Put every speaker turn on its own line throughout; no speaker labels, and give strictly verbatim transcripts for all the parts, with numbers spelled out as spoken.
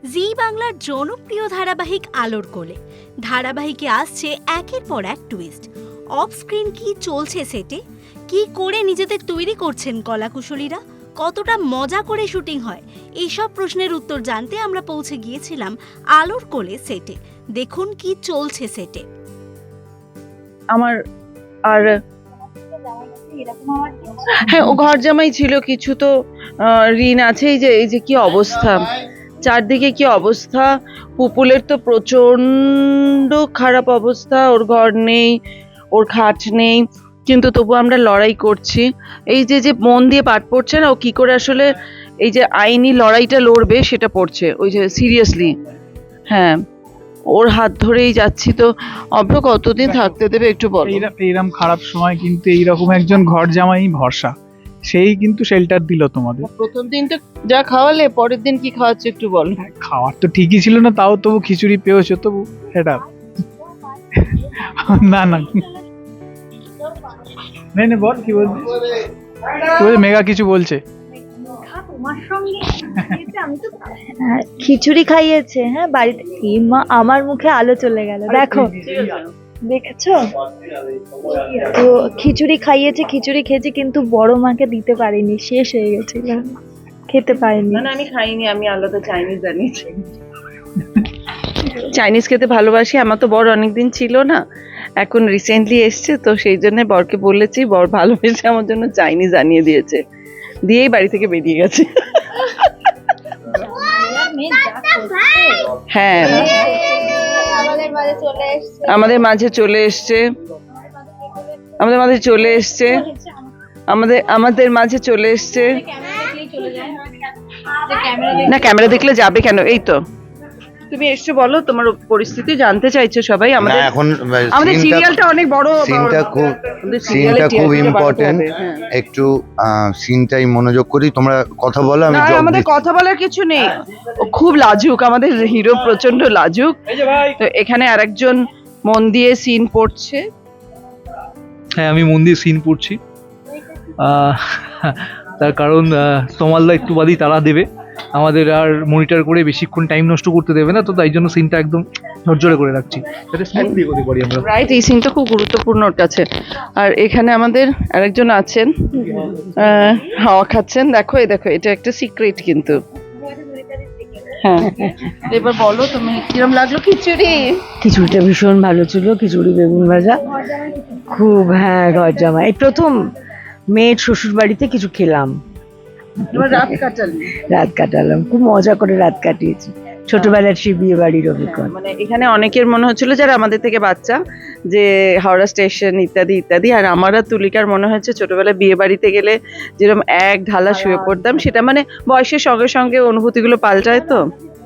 জি বাংলার জনপ্রিয় ধারাবাহিক আলোর কোলে ধারাবাহিকে আসছে একের পর এক টুইস্ট। অফ স্ক্রিন কি চলছে সেটে, কি করে নিজেদের তৈরি করছেন কলাকুশলীরা, কতটা মজা করে শুটিং হয়, এইসব প্রশ্নের উত্তর জানতে আমরা পৌঁছে গিয়েছিলাম আলোর কোলে সেটে। দেখুন কি চলছে সেটে।
আমার আর হ্যাঁ ও ঘর জামাই ছিল কিছু, তো ঋণ আছে। এই যে এই যে কি অবস্থা, চারদিকে কি অবস্থা, পুপুলের তো প্রচন্ড খারাপ অবস্থা, ওর ঘর নেই, ওর খাট নেই, কিন্তু তবু আমরা লড়াই করছি। এই যে যে মন দিয়ে পাঠ পড়ছে না, ও কি করে আসলে এই যে আইনি লড়াইটা লড়বে সেটা পড়ছে, ওই যে সিরিয়াসলি। হ্যাঁ, ওর হাত ধরেই যাচ্ছি। তো অভ্র কতদিন থাকতে দেবে একটু বল।
এইরকম খারাপ সময় কিন্তু এইরকম একজন ঘর জামাই ভরসা, সেই কিন্তু শেল্টার দিল তোমাদের।
প্রথম দিনটা যা খাওয়ালে, পরের দিন কি খাওয়াচ্ছে একটু বল।
খাওয়ার তো ঠিকই ছিল না, তাও তবু খিচুড়ি পেয়েছো তবু এটা না না নেই নে বল কি বলছিস, কি বলছে মেঘা কিছু বলছে।
খিচুড়ি খাইয়েছে, হ্যাঁ বাড়িতে। মা আমার মুখে আলো চলে গেল, দেখো দেখেছো তো খিচুড়ি খাইয়েছে, খিচুড়ি খেয়েছে, কিন্তু বড় মাকে দিতে পারিনি, শেষ হয়ে গেছিল, খেতে পারিনি।
না না আমি খাইনি, আমি আলাদা চাইনিজ আনিয়েছি। চাইনিজ খেতে ভালোবাসি। আমার তো বর অনেকদিন ছিল না, এখন রিসেন্টলি এসছে, তো সেই জন্য বরকে বলেছি, বর ভালোবেসে আমার জন্য চাইনিজ আনিয়ে দিয়েছে, দিয়েই বাড়ি থেকে বেরিয়ে গেছে। হ্যাঁ আমাদের মাঝে চলে এসছে, আমাদের মাঝে চলে এসছে, আমাদের আমাদের মাঝে চলে এসছে। না ক্যামেরা দেখলে যাবে কেন? এই তো তুমি এসছো, বলো তোমার পরিস্থিতি জানতে চাইছো সবাই। আমাদের
এখন
আমাদের সিরিয়ালটা অনেক বড়,
সিনটা খুব সিনটা খুব ইম্পর্টেন্ট, একটু সিনটাই মনোযোগ করি, তোমরা কথা বলো। আমি
আমাদের কথা বলার কিছু নেই, ও খুব লাজুক, আমাদের হিরো প্রচন্ড লাজুক। তো এখানে আরেকজন মন দিয়ে সিন পড়ছে।
হ্যাঁ আমি মন দিয়ে সিন পড়ছি, তার কারণ তমালদা একটু বাদেই তারা দেবে, আমাদের আর মনিটর করে বেশিক্ষণ টাইম নষ্ট করতে দেবে না, তো তাই জন্য সিনটা একদম ঝরঝরে করে রাখছি যাতে স্মুথলি এগোতে পারি আমরা।
রাইট, এই সিনটা খুব গুরুত্বপূর্ণ ওর কাছে। আর এখানে আমাদের আরেকজন আছেন, হাওয়া খাচ্ছেন, দেখো এই দেখো, এটা একটা সিক্রেট কিন্তু। হ্যাঁ এবার বলো তুমি কিরম লাগলো খিচুড়ি?
খিচুড়িটা ভীষণ ভালো ছিল, খিচুড়ি বেগুন ভাজা খুব। হ্যাঁ ঘর জামাই এই প্রথম মেয়ের শ্বশুর বাড়িতে কিছু খেলাম,
রাত কাটালি?
রাত কাটালাম, খুব মজা করে রাত কাটিয়েছি, ছোটবেলার সেই বিয়ে বাড়ির অভিজ্ঞতা।
মানে এখানে অনেকের মনে হচ্ছিল যারা আমাদের থেকে বাচ্চা, যে হাওড়া স্টেশন ইত্যাদি ইত্যাদি, আর আমার আর তুলিকার মনে হচ্ছে ছোটবেলায় বিয়ে বাড়িতে গেলে যেরকম এক ঢালা শুয়ে পড়তাম, সেটা মানে বয়সের সঙ্গে সঙ্গে অনুভূতিগুলো পাল্টায়, তো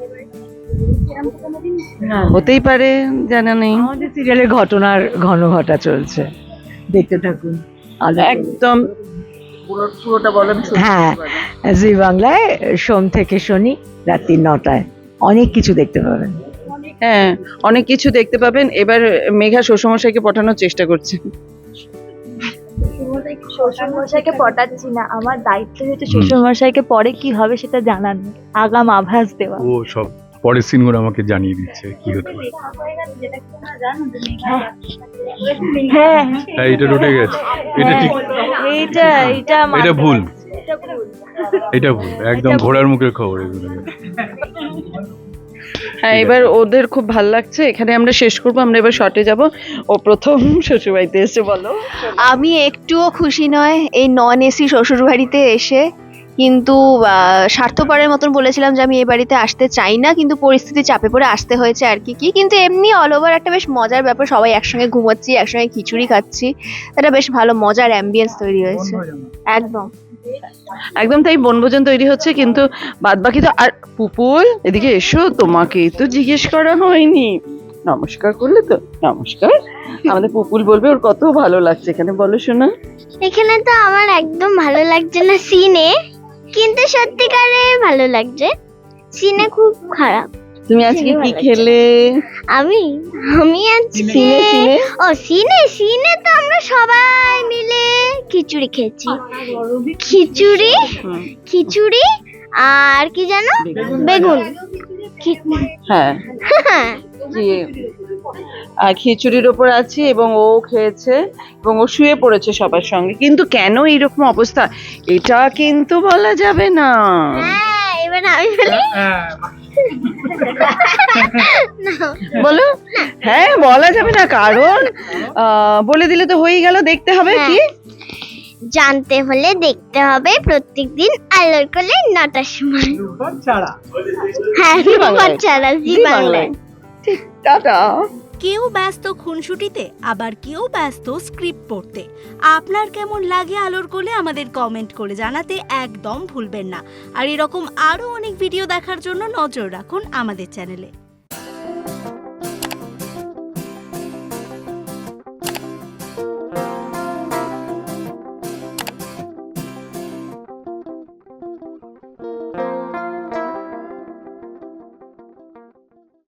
হতেই পারে, জানা নেই।
আমাদের সিরিয়ালের ঘটনার ঘন ঘটা চলছে, দেখতে থাকুন।
একদম পুরোটা বলেন।
হ্যাঁ জি বাংলায় সোম থেকে শনি রাত্রি নটায় অনেক কিছু দেখতে পাবেন।
হ্যাঁ অনেক কিছু দেখতে পাবেন। এবার মেঘা শ্বশুরমশাইকে পাঠানোর চেষ্টা করছে।
শ্বশুরমশাইকে পটাচ্ছি না, আমার দায়িত্ব হচ্ছে শ্বশুরমশাইকে পরে কি হবে সেটা জানানো, আগাম আভাস দেওয়া।
ও সব পরের সিনগুলো আমাকে জানিয়ে দিচ্ছে কি হতে পারে।
হ্যাঁ
হ্যাঁ এটা ঢুকে গেছে, এটা ঠিক,
এইটা এইটা
এটা ভুল, এটা ভুল, একদম ঘোড়ার মুখের খবর এগুলো।
হ্যাঁ এবার ওদের খুব ভালো লাগছে, এখানে আমরা শেষ করবো, আমরা এবার শর্টে যাব। ও প্রথম শ্বশুরবাড়িতে এসে, বলো।
আমি একটুও খুশি নয় এই নন এসি শ্বশুরবাড়িতে এসে, কিন্তু স্বার্থপরের মতন বলেছিলাম যে আমি এই বাড়িতে আসতে চাই না, কিন্তু পরিস্থিতি চাপে পড়ে আসতে হয়েছে আর কি কি কিন্তু এমনি অল ওভার একটা বেশ মজার ব্যাপার, সবাই একসঙ্গে ঘুমাচ্ছি, একসঙ্গে খিচুড়ি খাচ্ছি, এটা বেশ ভালো মজার অ্যাম্বিয়েন্স তৈরি হয়েছে। একদম
একদম তাই, বনভোজন তৈরি হচ্ছে, কিন্তু বাদ বাকি তো। আর পুপুল এদিকে এসো, তোমাকে তো জিজ্ঞেস করা হয়নি, নমস্কার করলে তো? নমস্কার। আমাদের পুপুল বলবে ওর কত ভালো লাগছে এখানে, বলো শোনা।
এখানে তো আমার একদম ভালো লাগছে না সিনে, কিন্তু সত্যিকারে ভালো লাগছে, সিনে খুব খারাপ।
তুমি আজকে কি খেলে?
আমি আমি আজকে ও সিনে সিনে তো আমরা সবাই মিলে খিচুড়ি খেয়েছি, খিচুড়ি খিচুড়ি আর কি জানো, বেগুন
হ্যাঁ যে আহ, খিচুড়ির ওপর আছে এবং ও খেয়েছে এবং ও শুয়ে পড়েছে সবার সঙ্গে, কিন্তু কেন এইরকম অবস্থা এটা কিন্তু বলা যাবে না।
হ্যাঁ এবার আমি বলি
বলো। হ্যাঁ বলা যাবে না, কারণ আহ, বলে দিলে তো হয়ে গেল। দেখতে হবে কি
জানতে হলে দেখতে হবে প্রত্যেকদিন আলোর কোলে নটার সময়।
ছাড়া
হ্যাঁ
জি বাংলায়।
ছাড়া জি
জি
বাংলায়।
বাংলায়। ঠিক, টাটা।
কেউ ব্যস্ত খুনসুটিতে, আবার কেউ ব্যস্ত স্ক্রিপ্ট পড়তে। আপনার কেমন লাগে আলোর কোলে আমাদের কমেন্ট করে জানাতে একদম ভুলবেন না। আর এরকম আরও অনেক ভিডিও দেখার জন্য নজর রাখুন আমাদের চ্যানেলে।